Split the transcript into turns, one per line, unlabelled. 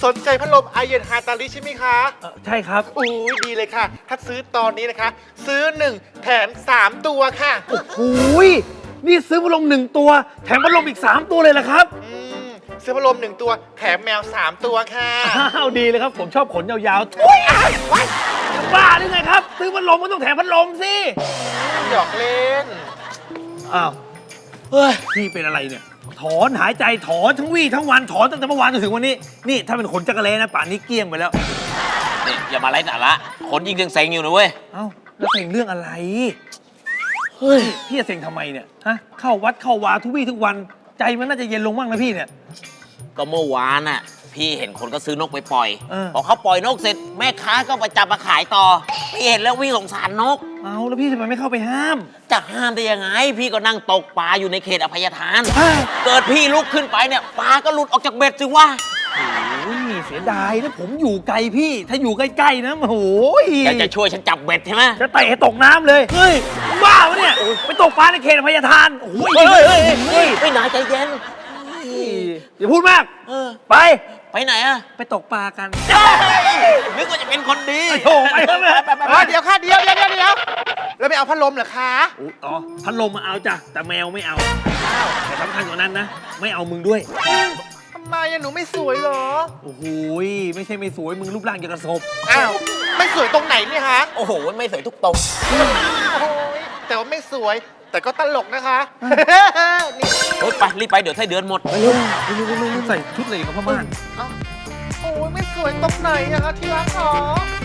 นใจพัดลมไอเย็นฮาตาลิใช่ไหมคะ
ใช่ครับ
อุ้ยดีเลยค่ะ ถ้าซื้อตอนนี้นะคะ ซื้อ 1 แถม 3 ตัวค่ะ
หูยนี่ซื้อพัดลม1 ตัว แถมพัดลมอีก3 ตัวเลยเหรอครับ
ซื้อพัดลม1 ตัวแถมแมว 3 ตัวค่ะ
อ้าวดีเลยครับผมชอบขนยาวๆทุยจะบ้าหรือไงครับ ซื้อพัดลมก็ต้องแถมพัดลมสิ
หยอกเล่น
อ้าวเฮ้ยพี่เป็นอะไรเนี่ย ถอนหายใจถอนทั้งวี่ทั้งวันถอนตั้งแต่เมื่อวานจนถึงวันนี้นี่ถ้าเป็นขนจักรเลนะป่านนี้เกลี้ยงไปแล้ว
นี่อย่ามาไร้สาระคนยิงเซ็งๆอยู่นะเว้ย
เอ้าแล้วเซ็งเรื่องอะไรเฮ้ยพี่จะเซ็งทำไมเนี่ยฮะเข้าวัดเข้าวาทุกวี่ทุกวันใจมันน่าจะเย็นลงบ้างนะพี่เนี่ย
ก็เมื่อวานน่ะพี่เห็นคนก็ซื้อนกไปปล่อย
เออ
พอเขาปล่อยนกเสร็จแม่ค้าก็ไปจับมาขายต่อพี่เห็นแล้ววิ่งสงสารนก
เอาแล้วพี่ทำไมไม่เข้าไปห้าม
จะห้ามได้ยังไง พี่ก็นั่งตกปลาอยู่ในเขตอภัยทาน
เฮ้ย
เกิดพี่ลุกขึ้นไปเนี่ยปลาก็หลุดออกจากเบ็ดสิวะ
โอ้ยเสียดายนะผมอยู่ไกลพี่ถ้าอยู่ใกล้ๆนะโอ้ย
แกจะช่วยฉันจับเบ็ดใช่ไหม
จะเตะให้ตกน้ำเลยเฮ้ยบ้าปะเนี่ยไปตกปลาในเขตอภัยทานโอ้ย
ไม่นายใจเย็น
อย่าพูดมาก
เออ
ไป
ไปไหนอะ
ไปตกปลากัน
นึกว่าจะเป็นคนดี
โถ่ไปเถอะแม่
เดี๋ยวค่ะเดี๋ยวแล้วไม่เอาพัดลมเหรอคะ
อ๋อพัดลมมาเอาจ้ะแต่แมวไม่เอาแต่สำคัญกว่านั้นนะไม่เอามึงด้วย
ทำไมอะหนูไม่สวยเหรอ
โอ้โหไม่ใช่ไม่สวยมึงรูปร่างอย่างกระสบ
อ้าวไม่สวยตรงไหนเนี่ยฮะ
โอ้โหไม่สวยทุกตรง
โอ้ยแต่ว่าไม่สวย แต่ก็ตลกนะคะนี่
เฮ้ยไปรีบไปเดี๋ยวไส้เดือนหมด
ไปเร็วใส่ชุดอะไรกับพ่อม่าน
โอ้ยไม่สวยตรงไหนอะคะที่รักหรอ